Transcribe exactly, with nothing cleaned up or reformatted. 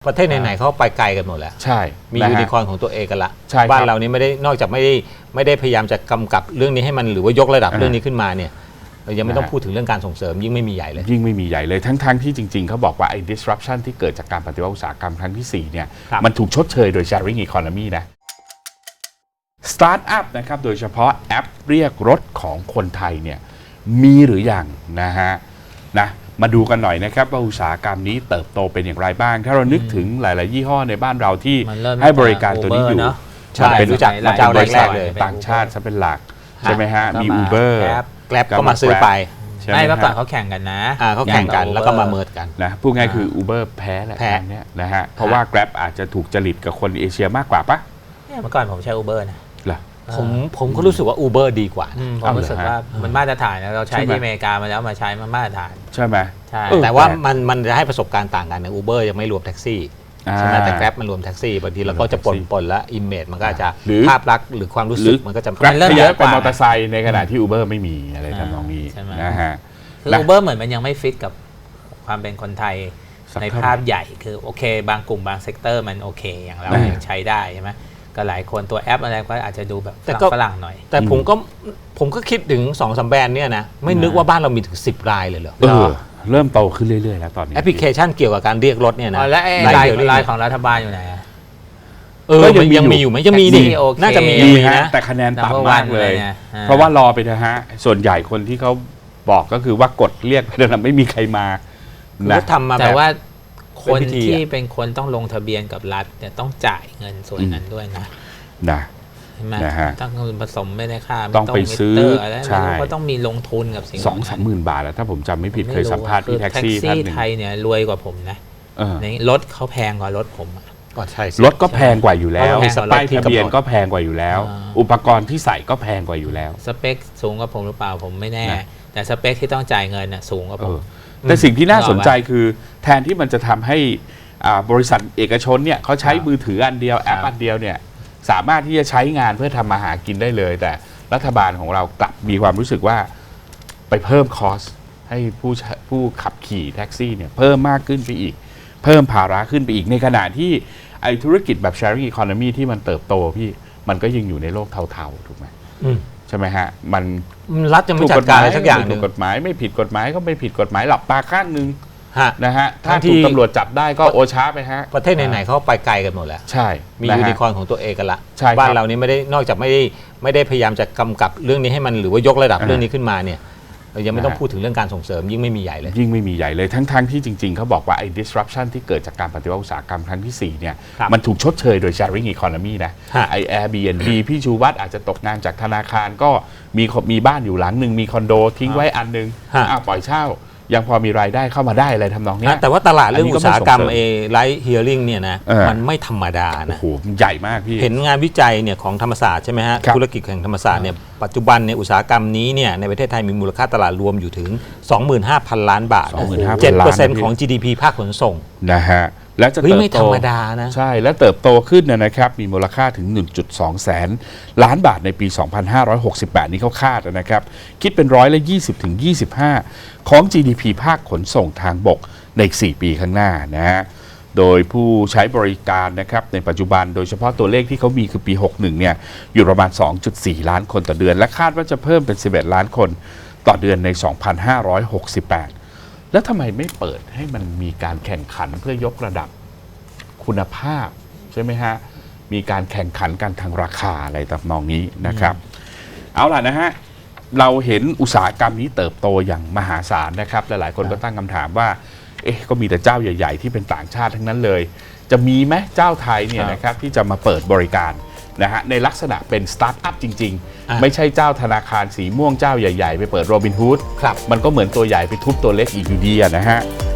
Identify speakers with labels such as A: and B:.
A: ประเทศไหนๆเขาไปไกลกันหมดแล้ว
B: ใช่
A: มียูนิคอร์นของตัวเองกันละ
B: บ้
A: านเรานี่ไม่ได้นอกจากไม่ได้ไม่ได้พยายามจะกำกับเรื่องนี้ให้มันหรือว่ายกระดับเรื่องนี้ขึ้นมาเนี่ยเรายังไม่ต้องพูดถึงเรื่องการส่งเสริมยิ่งไม่มีใหญ่เลย
B: ยิ่งไม่มีใหญ่เลยทั้งๆที่จริงๆเขาบอกว่าไอ้ disruption ที่เกิดจากการปฏิวัติอุตสาหกรรมครั้งที่สี่เนี่ยมันถูกชดเชยโดย sharing economy นะสตาร์ทอัพนะครับโดยเฉพาะแอปเรียกรถของคนไทยเนี่ยมีหรือยังนะฮะนะมาดูกันหน่อยนะครับว่าอุตสาหกรรมนี้เติบโตเป็นอย่างไรบ้างถ้าเรานึกถึงหลายๆยี่ห้อในบ้านเราที่ให้บริการตัวนี้อยู่
A: ใช่รู้จักเจ้าแรกๆเลย
B: ต่างชาติซะเป็นหลักใช่ไหมฮะมี Uber
A: แกร็บก็มาซื้อไป
C: ไม่เมื่อก่อนเขาแข่งกันนะ
A: เขาแข่งกันแล้วก็มาเมิร์จกัน
B: นะพูดง่ายคือ Uber แพ้แหละแพ้เนี่ยนะฮะเพราะว่า Grab อาจจะถูกจริตกับคนเอเชียมากกว่าปะ
C: เมื่อก่อนผมใช้ Uber นะ
A: ผมผมก็รู้สึกว่า Uber ดีกว่า
C: ผมรู้สึกว่ามันมาตรฐานนะเราใช้ที่อเมริกามาแล้วมาใช้มันมาตรฐาน
B: ใช่ไหม
A: ใช่แต่ว่ามันมันจะให้ประสบการณ์ต่างกันนะ Uber ยังไม่รวมแท็กซี่ใช่ไหมแต่ Grab มันรวมแท็กซี่บางทีเราก็จะปนปนแล้วอิมเมจมันก็จะภาพลักษณ์หรือความรู้สึกมันก็จะ
B: Grab เริ่มเยอะกว่ามอเตอร์ไซค์ในขณะที่ Uber ไม่มีอะไรทำนองนี้นะฮะ
C: คือ Uber เหมือนมันยังไม่ฟิตกับความเป็นคนไทยในภาพใหญ่คือโอเคบางกลุ่มบางเซกเตอร์มันโอเคอย่างเรายังใช้ได้ใช่ไหมก็หลายคนตัวแอปอะไรก็อาจจะดูแบบฝรั่งหน่อย
A: แต่ผมก็ผมก็คิดถึง สองสาม แบรนด์เนี่ยนะไม่นึกว่าบ้านเรามีถึงสิบรายเลยเหรอ
B: เออเริ่มโตขึ้นเรื่อยๆแล้วตอนนี้
A: แอปพลิเคชันเกี่ยวกับการเรียกรถเนี่ยนะ
C: และไลน์ไลน์ของรัฐบาลอยู่ไหน
A: เออยังมีอยู่ไหมจะมีดิน่าจะมี
B: นะแต่คะแนนต่ำมากเลยเพราะว่ารอไปนะฮะส่วนใหญ่คนที่เขาบอกก็คือว่ากดเรียกแต่ไม่มีใครมา
A: นะทำมา
C: แต่ว่าคนที่เป็นคนต้องลงทะเบียนกับรัฐเนี่ยต้องจ่ายเงินส่วนนั้นด้วยนะ
B: นะ
C: นะฮะต้องผสมไม่ได้ค่า
B: ต้องไปซื้อ
C: ใช่ก็ต้องมีลงทุนกับสิ่ง
B: สองสามหมื่นบาทแล้วถ้าผมจำไม่ผิดเคยสัมภาษณ์ที่แท็กซี่ท่านหนึ่ง
C: ไทยเนี่ยรวยกว่าผมนะในรถเขาแพงกว่ารถผม
A: ก็ใช่
B: รถก็แพงกว่าอยู่แล้วป้ายทะเบียนก็แพงกว่าอยู่แล้วอุปกรณ์ที่ใส่ก็แพงกว่าอยู่แล้ว
C: สเปคสูงกว่าผมหรือเปล่าผมไม่แน่แต่สเปคที่ต้องจ่ายเงินน่ะสูงกว่าผม
B: แต่สิ่งที่น่าสนใจคือแทนที่มันจะทำให้บริษัทเอกชนเนี่ยเขาใช้มือถืออันเดียวแอปอันเดียวเนี่ยสามารถที่จะใช้งานเพื่อทำมาหากินได้เลยแต่รัฐบาลของเรากลับมีความรู้สึกว่าไปเพิ่มคอสให้ผู้ผู้ขับขี่แท็กซี่เนี่ยเพิ่มมากขึ้นไปอีกเพิ่มภาระขึ้นไปอีกในขณะที่ไอ้ธุรกิจแบบ sharing economy ที่มันเติบโตพี่มันก็ยังอยู่ในโลกเทาๆถูกไหมใช่ไหมฮะมัน
A: รัฐจะไม่จัดการอะไรสักอย่าง
B: ถูกกฎหมายไม่ผิดกฎหมายก็ไม่ผิดกฎหมายหลับตาข้างนึงนะฮะถ้าถูกตำรวจจับได้ก็โอช้าไปฮะ
A: ประเทศไหนๆเขาไปไกลกันหมดแล้ว
B: ใช่
A: มียูนิคอร์นของตัวเองกันละบ้านเรานี่ไม่ได้นอกจากไม่ได้ไม่ได้พยายามจะกำกับเรื่องนี้ให้มันหรือว่ายกระดับเรื่องนี้ขึ้นมาเนี่ยเรายังไม่ต้องพูดถึงเรื่องการส่งเสริมยิ่งไม่มีใหญ่เลย
B: ยิ่งไม่มีใหญ่เลยทั้งๆที่จริงๆเขาบอกว่าไอ้ disruption ที่เกิดจากการปฏิวัติอุตสาหกรรมครั้งที่สี่เนี่ยมันถูกชดเชยโดย sharing economy นะไอ้ Airbnb พี่ชูวัฒน์อาจจะตกงานจากธนาคารก็มีมีบ้านอยู่หลังหนึ่งมีคอนโดทิ้งไว้อันนึงอ้าวปล่อยเช่ายังพอมีรายได้เข้ามาได้อะไรทำนองนี้
A: แต่ว่าตลาดเรื่องอุตสาหกรรมเอไลท์เฮียริ่งเนี่ยนะมันไม่ธรรมดานะ
B: โอ้โหใหญ่มากพี่
A: เห็นงานวิจัยเนี่ยของธรรมศาสตร์ใช่ไหมฮะธุรกิจแห่งธรรมศาสตร์เนี่ยปัจจุบันเนี่ยอุตสาหกรรมนี้เนี่ยในประเทศไทยมีมูลค่าตลาดรวมอยู่ถึง สองหมื่นห้าพัน ล้านบาท เจ็ดเปอร์เซ็นต์ ของ จี ดี พี ภาคขนส่ง
B: นะฮะและจะเติบโต
A: ไม่ธรรมดานะ
B: ใช่และเติบโตขึ้นนะครับมีมูลค่าถึง หนึ่งจุดสอง แสนล้านบาทในปี สองพันห้าร้อยหกสิบแปด นี้เขาคาดนะครับคิดเป็นร้อยละยี่สิบถึงยี่สิบห้าของ จี ดี พี ภาคขนส่งทางบกในอีกสี่ปีข้างหน้านะฮะโดยผู้ใช้บริการนะครับในปัจจุบันโดยเฉพาะตัวเลขที่เขามีคือปีหกสิบเอ็ดเนี่ยอยู่ประมาณ สองจุดสี่ ล้านคนต่อเดือนและคาดว่าจะเพิ่มเป็นสิบเอ็ดล้านคนต่อเดือนใน สองพันห้าร้อยหกสิบแปด แล้วทำไมไม่เปิดให้มันมีการแข่งขันเพื่อยกระดับคุณภาพใช่ไหมฮะมีการแข่งขันกันทางราคาอะไรตำนองนี้นะครับเอาล่ะนะฮะเราเห็นอุตสาหกรรมนี้เติบโตอย่างมหาศาลนะครับหลายๆคนก็ตั้งคำถามว่าเอ๊ะก็มีแต่เจ้าใหญ่ๆที่เป็นต่างชาติทั้งนั้นเลยจะมีไหมเจ้าไทยเนี่ยนะครับที่จะมาเปิดบริการนะฮะในลักษณะเป็นสตาร์ทอัพจริงๆไม่ใช่เจ้าธนาคารสีม่วงเจ้าใหญ่ๆไปเปิดโรบินฮูดมันก็เหมือนตัวใหญ่ไปทุบตัวเล็กอีกอยู่ดีนะฮะ